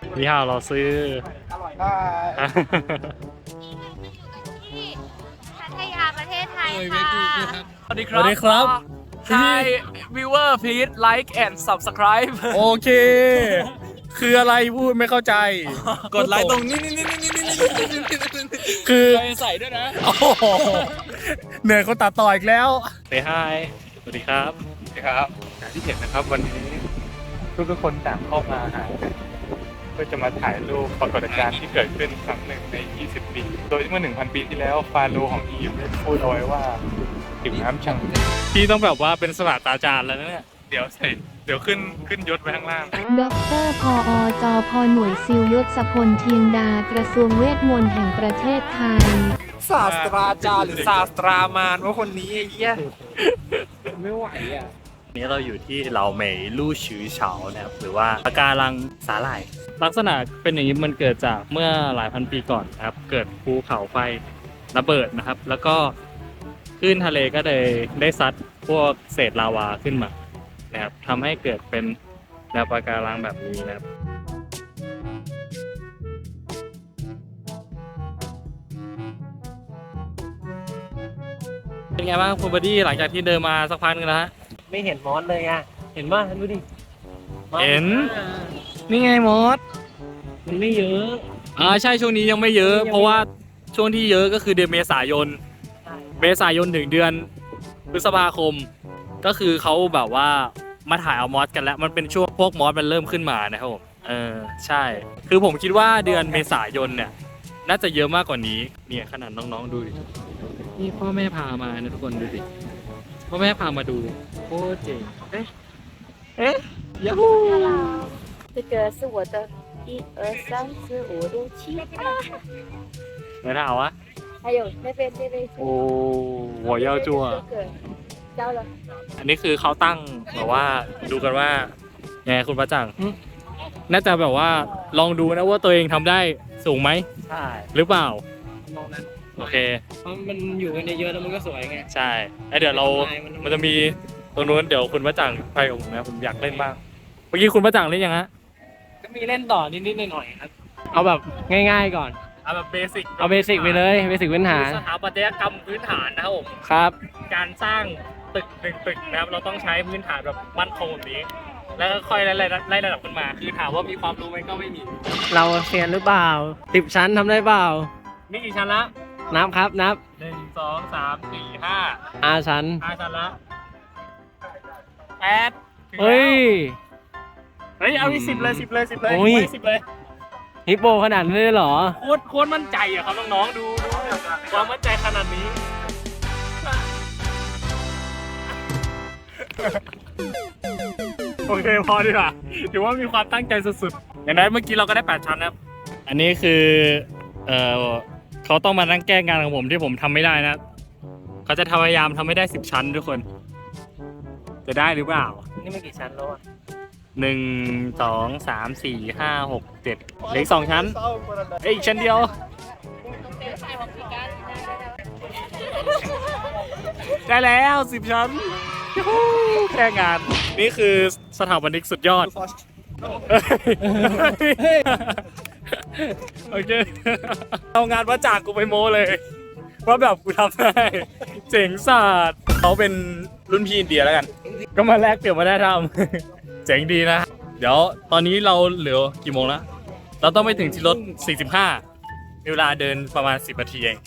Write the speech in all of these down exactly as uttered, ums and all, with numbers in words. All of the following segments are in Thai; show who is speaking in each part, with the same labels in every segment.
Speaker 1: นี่ฮาวเราซื้อ
Speaker 2: อร่อยได้
Speaker 3: พัทยาประเทศไทยค่ะ
Speaker 4: สวัสดีค
Speaker 1: ส
Speaker 4: รับ
Speaker 1: วัสดีครับ
Speaker 4: Hi viewer please like and subscribe
Speaker 1: โอเค คืออะไรพูดไม่เข้าใจ
Speaker 4: กดไลค์ตรงนี้นี่นี่นี่นี่นี่นี่
Speaker 1: คือ
Speaker 4: ใส่ด้วยนะ
Speaker 1: โอ้โหเหนื่อยคนตัดต่ออีกแล้วเซฮายสวัสดีครับ
Speaker 2: ครับอย่างที่เห็นนะครับวันนี้ทุกทุกคนต่างเข้ามาหากันเพื่อจะมาถ่ายรูปปรากฏการณ์ที่เกิดขึ้นครั้งหนึ่งใน ยี่สิบ ปี โดยเมื่อ หนึ่งพัน ปีที่แล้วฟาโรห์ของอียิปต์ได้พูดเอาไว้ว่าผิวน้ำชัง
Speaker 1: พี่ต้องแบบว่าเป็นสลัดตาจารย์แล้วนะเนี่ย
Speaker 2: เดี๋ยวใส่เดี๋ยวขึ้นขึ้นยศไปข้างล่าง
Speaker 5: ด็อกเตอร์พออจอพอหน่วยซิลยศพลเทียงดากระทรวงเวทมนต์แห่งประเทศไทย
Speaker 4: ศาสตราจารย์หรือศาสตรามารว่าคนนี้ไอ้เหี้ยไม่ไหวอ่ะ
Speaker 1: นี้เราอยู่ที่เหลาเหมยลู่ฉือเฉานะครับหรือว่าปะการังสาหร่ายลักษณะเป็นอย่างนี้มันเกิดจากเมื่อหลายพันปีก่อนนะครับเกิดภูเขาไฟระเบิดนะครับแล้วก็คลื่นทะเลก็เลยได้ซัดพวกเศษลาวาขึ้นมานะครับทำให้เกิดเป็นแนวปะการังแบบนี้นะครับเป็นไงบ้างคุณบอดี้หลังจากที่เดินมาสักพักนึงแล้วฮะ
Speaker 4: ไม่เห็นมอสเลยอ่ะเห็นป่ะดูดิ
Speaker 1: เห็นนี่ไงมอส
Speaker 4: มันไม่เยอะ
Speaker 1: อ่าใช่ช่วงนี้ยังไม่เยอะ เพราะว่าช่วงที่เยอะก็คือเดือนเมษายนเมษายนถึงเดือนพฤษภาคม ก็คือเขาแบบว่ามาถ่ายเอามอสกันแล้วมันเป็นช่วงพวกมอสมันเริ่มขึ้นมานะครับผมเออใช่ คือผมคิดว่าเดือนเมษายนเนี่ยน่าจะเยอะมากกว่านี้เนี่ยขนาดน้องๆดูดินี่พ่อแม่พามานะทุกคนดูดิพ่อแม่พามาดูโคตรเจ๋งเอ๊ะเอ๊ะยูฮู
Speaker 3: 这个是我的一二三四五六七八，
Speaker 1: ไม่ได้เอาวะ
Speaker 3: 还有那边那边是
Speaker 1: โอ้หัวยาวจัว
Speaker 3: 这个交了。
Speaker 1: อันนี้คือเขาตั้งแบบว่าดูกันว่าไงคุณประจังน่าจะแบบว่าลองดูนะว่าตัวเองทำได้สูงไหม
Speaker 4: ใช่
Speaker 1: หรือเปล่า
Speaker 4: มองนั้น
Speaker 1: โอเค
Speaker 4: เพราะมันอยู่กันเยอะๆแล้วมันก็สวยไง
Speaker 1: ใช่ไอยเดี๋ยวเรา
Speaker 4: มัน
Speaker 1: มันจะมีตรงนู้นเดี๋ยวคุณประจังไปกับผมนะผมอยากเล่นบ้างเมื่อกี้คุณประจังเล่นยังฮะ
Speaker 4: ก็มีเล่นต่อนิดๆหน่อยๆครับ เอาแบบง่ายๆก่อน
Speaker 1: เอาแบบเบสิก
Speaker 4: เอาเบสิกไปเลยเบสิกพื้นฐาน
Speaker 1: สถาปัตยกรรมพื้นฐานนะครับผม
Speaker 4: ครับ
Speaker 1: การสร้างตึกหนึ่งตึกนะครับเราต้องใช้พื้นฐานแบบมั่นคงแบบนี้ แล้วก็ค่อยไล่ไล่ไล่ระดับขึ้นมา คือถามว่ามีความรู้ไหมก็ไม่มี
Speaker 4: เราเซียนหรือเปล่าสิบชั้นทำได้เปล่า
Speaker 1: นี่กี่ชั้นละ
Speaker 4: นับครับนับ
Speaker 1: หนึ่งสองสามสี่ห้า
Speaker 4: อาชั้น
Speaker 1: ห้าชั้นละแปดถึงแล้ว
Speaker 4: เฮ้ย
Speaker 1: เฮ้ยเอาอีกสิบเลยสิบเลยสิบเลย
Speaker 4: โอ้ย
Speaker 1: สิบเลย
Speaker 4: ฮิปโปขนาดนี้เลยเหรอ
Speaker 1: โคตรโคตรมั่นใจอะครับน้องๆดูดูความมั่นใจขนาดนี้ โอเคพอดีกว่าถือว่ามีความตั้งใจสุดๆอย่างนั้นเมื่อกี้เราก็ได้แปดชั้นนะครับอันนี้คือเออเขาต้องมานั่งแก้งานของผมที่ผมทำไม่ได้นะเขาจะพยายามทำให้ได้สิบชั้นทุกคน จะได้หรือเปล่า
Speaker 4: นี่มันกี่ชั้นแล้วอ่ะ
Speaker 1: หนึ่งสองสามสี่ห้าหกเจ็ดเหลืออกสองชั้นเอ้ยอีกชั้นเดียว ได้แล้วสิบชั้นยูฮูแค่งาน นี่คือสถาปนิกสุดยอด โอเค เอางานว่าจากกูไปโม้เลย ว่าแบบกูทำได้ เจ๋งสัสเขาเป็นรุ่นพี่อินเดียแล้วกัน ก็มาแลกเปลี่ยนมาได้ทำ เจ๋งดีนะ เดี๋ยวตอนนี้เราเหลือกี่โมงแล้ว เราต้องไปถึงที่รถ สี่สิบห้า มีเวลาเดินประมาณ สิบ นาทีเอง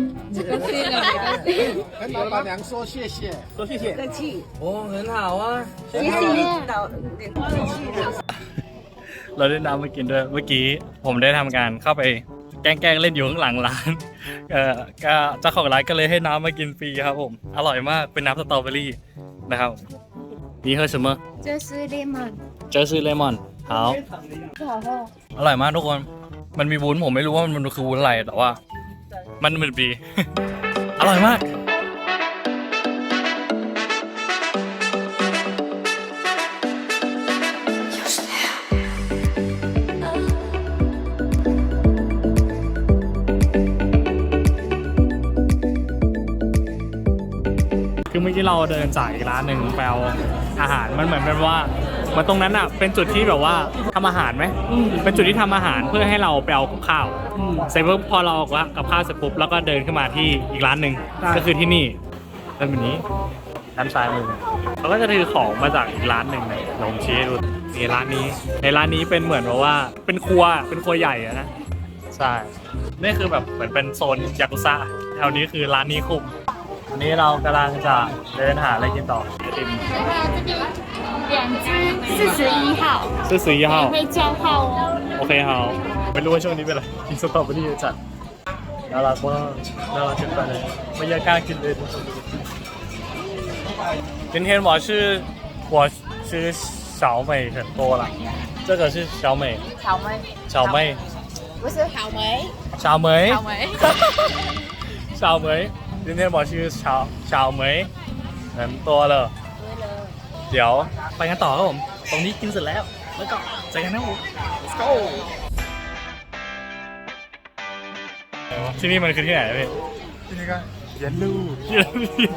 Speaker 6: 跟老板娘说谢谢，说谢谢。
Speaker 4: 客气โอ้很好啊
Speaker 3: 谢谢老客气了。
Speaker 1: เราได้น้ำมากินด้วย เมื่อกี้ผมได้ทำการเข้าไปแกล้งๆเล่นอยู่ข้างหลังร้าน เอ่อก็เจ้าของร้านก็เลยให้น้ำมากินฟรีครับผม อร่อยมาก เป็นน้ำสตรอเบอรี่นะครับนี่เฮอร์什么
Speaker 3: 这是 lemon，
Speaker 1: เจอซื้อเลมอน好
Speaker 3: 不好喝。
Speaker 1: อร่อยมากทุกคน มันมีวุ้นผมไม่รู้ว่ามันคือวุ้นอะไรแต่ว่า มันเหมือนดี อร่อยมาก คือเมื่อกี้เราเดินจากอีกร้านหนึ่งไปเอาอาหารมันเหมือนเป็นว่ามันตรงนั้นอ่ะเป็นจุดที่แบบว่าทำอาหารไหมเป็นจุดที่ทำอาหารเพื่อให้เราไปเอากับข้าวเสร็จปุ๊บพอเราเอากับข้าวเสร็จปุ๊บแล้วก็เดินขึ้นมาที่อีกร้านหนึ่งก็คือที่นี่เป็นแบบนี้ด้านซ้ายมือเขาก็จะถือของมาจากอีกร้านหนึ่งเลยลองชี้ให้ดูนี่ร้านนี้ในร้านนี้เป็นเหมือนแบบว่าเป็นครัวเป็นครัวใหญ่อะนะใช่นี่คือแบบเหมือนเป็นโซนยากุซ่าแถวนี้คือร้านนี้คุมวันนี้เรากำลังจะเดินหาอะไรกินต่อไอติม
Speaker 3: 两只四十一号，
Speaker 1: ซื้อสียี่ห้อ
Speaker 3: 会叫号哦。
Speaker 1: โอเคครับไม่รู้ว่าช่วงนี้เป็นอะไรกินสตรอเบอรี่จัดน่ารักมากน่ารักเกินไปเลยไม่อยากกล้ากินเลย今天我是我吃小美很多了这个是小美
Speaker 3: 草莓，
Speaker 1: 小妹
Speaker 3: 不是草莓，
Speaker 1: 小梅
Speaker 3: 草莓。
Speaker 1: 小梅今天我是小小梅很多了เดี๋ยวไปกันต่อครับผมตรงนี้กินเสร็จแล้วแล้วก็เจอกันนะผม let's go ที่นี่มันคือที่ไหนพี่
Speaker 2: ที่นี่ก็เย็นลูก
Speaker 1: เย็นลู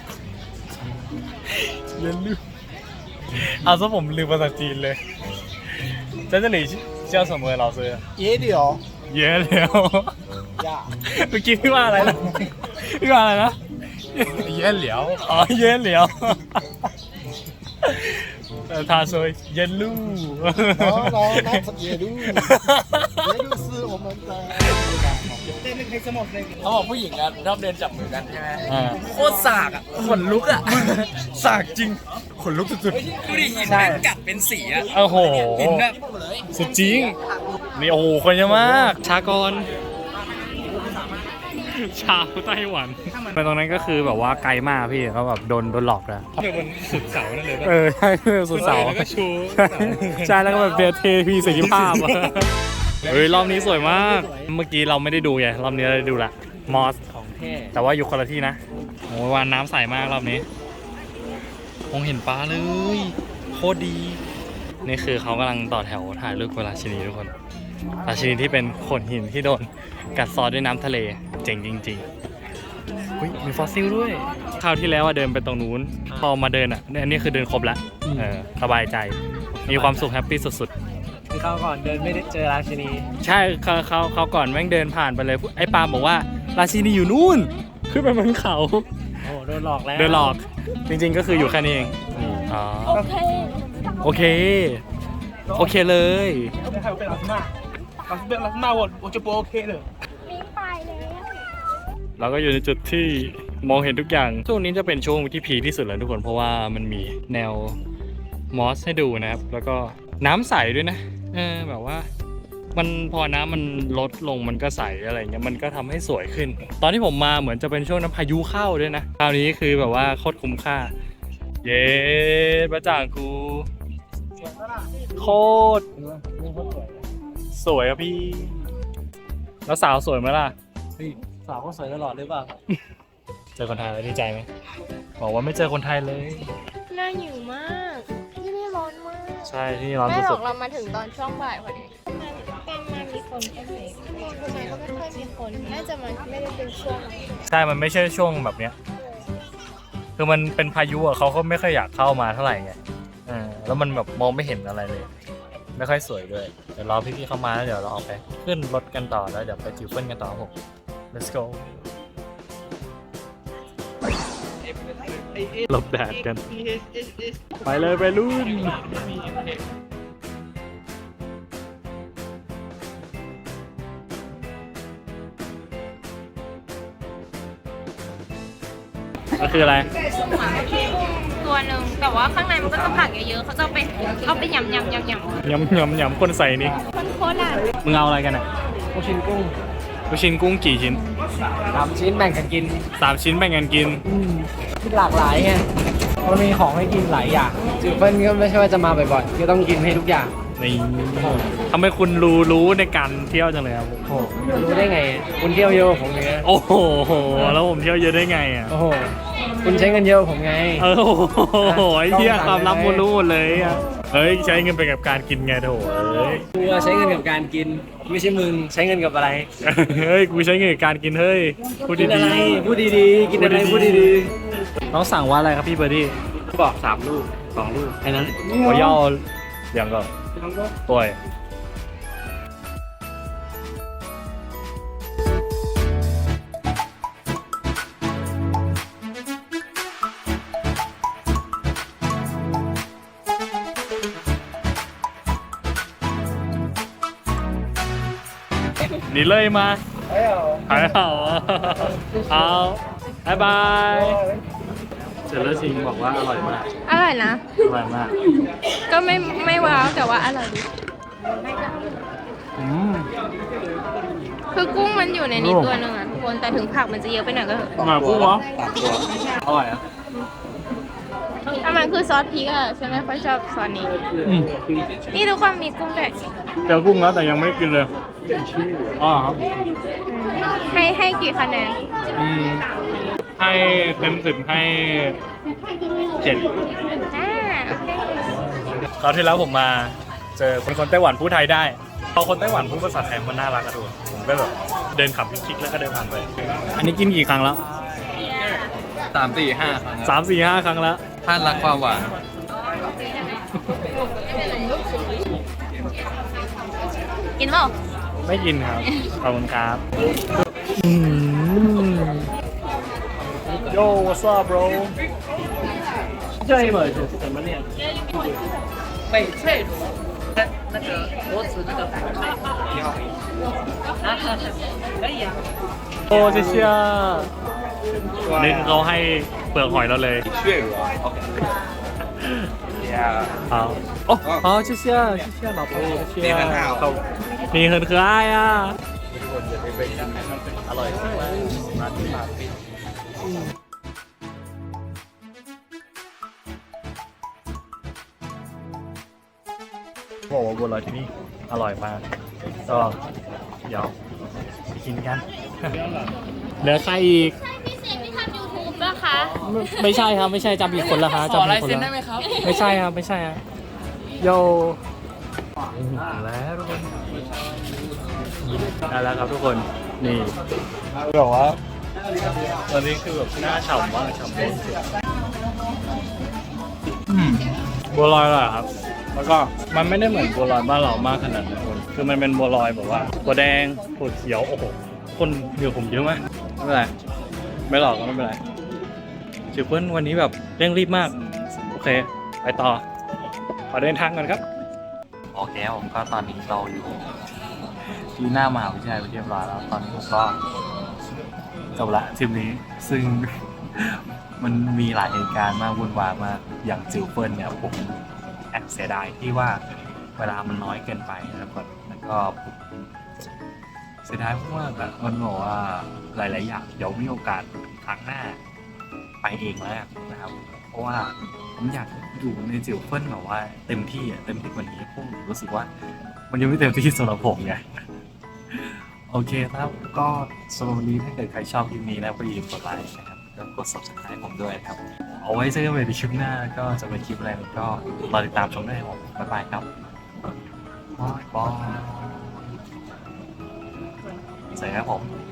Speaker 1: เย็นลูเอาซะผมลืมภาษาจีนเลย在这里叫什么老师
Speaker 6: 野柳
Speaker 1: เย้แล้ว
Speaker 6: 呀，
Speaker 1: เมื่อกี้พี่ว่าอะไรนะพี่ว่าอะไรนะ
Speaker 2: เย็นเหลียว
Speaker 1: อ๋อเย้แล้ว呃他说เย็นลู
Speaker 6: 然后然后那野柳，野柳是我们的。
Speaker 4: เขาบอกผู้หญิงอะชอบเดินจับมือกันใช่ไหม
Speaker 1: อ่า
Speaker 4: โคตรสากอะขนลุกอะ
Speaker 1: สากจริงขนลุกสุด
Speaker 4: ดูดิหินแม่งกัดเป็นสีอะ
Speaker 1: ๆโอ้โห
Speaker 4: หินแบบ
Speaker 1: สุดจริงนี่โอ้โหคนเยอะมากชากรชาวไต้หวันไปตรงนั้นก็คือแบบว่าไกลมากพี่เขาแบบโดนโดนหลอกแล้ว
Speaker 2: คือบนสุดเสานั่นเลย
Speaker 1: เออใช่สุดเสา
Speaker 2: แล้วก็ชู
Speaker 1: ใช่แล้วก็แบบเบียเทพีเสรีภาพอะเฮ้ยรอบนี้สวยมาก เมื่อกี้เราไม่ได้ดูไงรอบนี้เราได้ดูละมอส
Speaker 4: ของแท้
Speaker 1: แต่ว่าอยู่คนละที่นะโอ้ยวานน้ำใสมากรอบนี้มองเห็นปลาเลยโคตรดีนี่คือเขากำลังต่อแถวถ่ายรูปกับราชินีทุกคนราชินีที่เป็นโขดหินที่โดนกัดเซอด้วยน้ำทะเลเจ๋งจริงๆอุ๊ยมีฟอสซิลด้วยคราวที่แล้วอะเดินไปตรงนู้นพอมาเดินอ่ะเนี่ยอันนี้คือเดินครบแล้วเออสบายใจมีความสุขแฮปปี้สุดๆ
Speaker 4: คือเขาก่อนเดินไม่ได้เจอราชินี
Speaker 1: ใช่เขาเขาเขาก่อนแม่งเดินผ่านไปเลยไอ้ปาล์มบอกว่าราชินีอยู่นู่นขึ้นไปบนเขา
Speaker 4: โอ้โดนหลอกแล้ว
Speaker 1: เดินหลอกจริงๆก็คืออยู่แค่นี้เองอ๋อ
Speaker 3: OK，
Speaker 1: โอเคโอเคเลย
Speaker 4: 还有被老师骂老师被老师骂我我就不 OK 了
Speaker 3: 明白了。
Speaker 1: เราก็อยู่ในจุดที่มองเห็นทุกอย่างช่วงนี้จะเป็นช่วงที่พีคที่สุดแล้วทุกคนเพราะว่ามันมีแนวมอสให้ดูนะครับแล้วก็น้ำใสด้วยนะเออแบบว่ามันพอน้ำมันลดลงมันก็ใสอะไรเงี้ยมันก็ทำให้สวยขึ้น ตอนที่ผมมาเหมือนจะเป็นช่วงน้ำพายุเข้าด้วยนะคราวนี้คือแบบว่าโคตรคุ้มค่าเย้ประจ่างกูโคตรสวยอะพี่แล้วสาวสวยไหมล่ะ
Speaker 4: สาวก็สวยตลอดหรือเปล่า
Speaker 1: เจอคนไทยแล้วดีใจไหมบอกว่าไม่เจอคนไทยเลย
Speaker 3: น่าหิวมาก ที่นี่ร้อนมาก
Speaker 1: ใช่ที่นี่ร้อน
Speaker 3: ไม่หร
Speaker 1: สุ
Speaker 3: อ
Speaker 1: ด
Speaker 3: กเรามาถึงตอนช่วงบ่ายพอดีมันการมามีคนแค่ไหนทำไมก็ไม่ค่อยมีคน น่าจะมันไม่ได้เป็นช่วง
Speaker 1: ๆใช่มันไม่ใช่ช่วงแบบเนี้ยคือมันเป็นพายุอะเขาก็ไม่ค่อยอยากเข้ามาเท่าไหร่ไงเออแล้วมันแบบมองไม่เห็นอะไรเลย ไม่ค่อยสวยด้วยเดี๋ยวรอพี่ๆเข้ามาแล้วเดี๋ยวเราออกไปขึ้นรถกันต่อแล้วเดี๋ยวไปจิวเฟิลกันต่อครับผม let's go หลบแดดกัน ไปเลยไปรุ่น ก็คืออะไร
Speaker 3: ตัวหนึ่งแต่ว่าข้างในมันก็จะผักเยอะๆเขาจะเอาไปเอาไปยำยำยำยำ
Speaker 1: ยำยำยำคนใส่นี่
Speaker 3: คนโคราช
Speaker 1: มึงเอาอะไรกันอ่ะ
Speaker 4: ลูกชิ้นกุ้ง
Speaker 1: ลูกชิ้นกุ้งกี่ชิ้น
Speaker 4: สามชิ้นแบ่งกันกิน
Speaker 1: สามชิ้นแบ่งกันกิน
Speaker 4: อืมที่หลากหลายไงมันมีของให้กินหลายอย่างจิวเฟิลก็ไม่ใช่ว่าจะมาบ่อยๆก็ต้องกินให้ทุกอย่าง
Speaker 1: นี่ทำไมคุณรู้รู้ในการเที่ยวจังเลยครับ
Speaker 4: โอ้โหรู้ได้ไง คุณเที่ยวเยอะกว่าผมไง
Speaker 1: โอ้โห แล้วผมเที่ยวเยอะได้ไงอ่ะ
Speaker 4: โอ้โห คุณใช้เงินเยอะกว่าผมไง
Speaker 1: เออโอ้โหไอ้เที่ยความลับคุณรู้หมดเลยอ่ะเฮ้ยใช้เงินไปกับการกินไงโถเอ้ย
Speaker 4: กูใช้เงินกับการกิน ไม่ใช่มึงใช้เงินกับอะไร
Speaker 1: เฮ้ยกูใช้เงินกับการกินเฮ้ยพูด
Speaker 4: กิน
Speaker 1: ดี
Speaker 4: อะไรพูดดีๆ กินอะไรพูดดี
Speaker 1: ๆน้องสั่งว่าอะไรครับพี่เบอร์ดี้
Speaker 4: ๆบอกสามลูกสองลูกแค่นั้น
Speaker 1: 我要两个对你累吗？还好啊。好，拜拜。เสร็จแล้วชิงบอกว่าอร่อยมาก
Speaker 3: อร่อยนะ
Speaker 1: อร่อยมาก
Speaker 3: ก็ไม่ไม่ว้าวแต่ว่าอร่อยดี
Speaker 1: อืม
Speaker 3: คือกุ้งมันอยู่ในนี้ตัวหนึ่งอ่ะทุกคนแต่ถึงผักมันจะเยอะไปหน่อยก็เถอะ
Speaker 1: อร่อยกุ้งเหรออร่อยอ่ะ
Speaker 3: ถ้ามันคือซอสพริกอ่ะฉันไม่ค่อยชอบซอสนี้
Speaker 1: อืม
Speaker 3: นี่ทุกคนมีกุ้งด้วย
Speaker 1: เจอกุ้งแล้วแต่ยังไม่ได้กินเลยอ๋อครับ
Speaker 3: ให้ให้กี่คะแนน
Speaker 1: อืมให้เต็มสิบให้เจ็ด
Speaker 3: อ่าโอเค
Speaker 1: คราวที่แล้วผมมาเจอคนคนไต้หวันพูดไทยได้พอคนไต้หวันพูดภาษาไทยมันน่ารักอะทุกคนผมก็แบบเดินขับคลิกๆแล้วก็เดินผ่านไป อันนี้กินกี่ครั้งแล้ว
Speaker 4: สามสี่ห้าครั้ง
Speaker 1: สามสี่ห้าครั้งแล้ว
Speaker 4: ท่านรักความหวาน
Speaker 3: กินเปล่า
Speaker 1: ไม่กินครับขอบคุณครับโย่ what's up bro 这一本是怎么念？
Speaker 4: 翡翠螺，那个螺子那个翡翠，你好，可以啊。
Speaker 1: โอ้เชี่ยเชี่ยนี่เขาให้เปลือกหอยเราเลย
Speaker 4: 血鹅，OK。呀，
Speaker 1: 好哦好谢谢谢谢老婆谢谢
Speaker 4: 你很好
Speaker 1: 你很可爱啊อร่อยบอกว่าบัวลอยที่นี่อร่อยมากก็เดี๋ยวไปกินกันเหลือใครอีก
Speaker 3: พิเศษที่ทำยูทูบนะคะ
Speaker 1: ไม่ไม่ใช่ครับไม่ใช่จำผิดคนละครับ
Speaker 4: ขอ
Speaker 1: จำผิ
Speaker 4: ลา
Speaker 1: ด
Speaker 4: ย
Speaker 1: คน
Speaker 4: เซ็น
Speaker 1: ละ
Speaker 4: ได้ไหมครับ
Speaker 1: ไม่ใช่ครับไม่ใช่ครับโยแล้วทุกคนได้แล้วครับทุกคนนี่แบบว่าตอนนี้คือแบบหน้าฉ่ำมากฉ่ำเลยบัวลอยอร่อยครับ แล้วก็มันไม่ได้เหมือนบัวลอยบ้านเรามากขนาดนั้นคนคือมันเป็นบัวลอยแบบว่าบัวแดงถั่วเขียวโอ้โหคนเดี๋ยวผมเยอะมากไม่เป็นไรไม่หลอกก็ไม่เป็นไรจิ๋วเปิ้ลวันนี้แบบเร่งรีบมากโอเคไปต่อขอเดินทางก่อนครับโอเคผมก็ตอนนี้เราอยู่ที่หน้ามหาวิทยาลัยเรียบร้อยแล้วตอนนี้ผมก็จบละทริปนี้ซึ่ง มันมีหลายเหตุการณ์มากวุ่นวายมากอย่างจิ๋วเปิ้ลเนี่ยผมแอบเสียดายที่ว่าเวลามันน้อยเกินไปนะครับแล้วก็เสียดายเพราะว่าแบบมันบอกว่าหลายๆอย่างเดี๋ยวมีโอกาสครั้งหน้าไปเองแล้วนะครับเพราะว่าผมอยากอยู่ในจิ๋วเปิ้ลแบบว่าเต็มที่อ่ะเต็มที่กว่านี้ผมรู้สึกว่ามันยังไม่เต็มที่สำหรับผมไงโอเคครับก็สำหรับวันนี้ถ้าเกิดใครชอบคลิปนี้นะก็อย่าลืมกดไลค์นะครับแล้วกด ซับสไครบ์ ผมด้วยครับ เอาไว้เจอกันใหม่ในคลิปหน้าก็จะเป็นคลิปอะไรก็รอติดตามชมได้ครับบ๊ายบายครับบายบายสวัสดีครับผม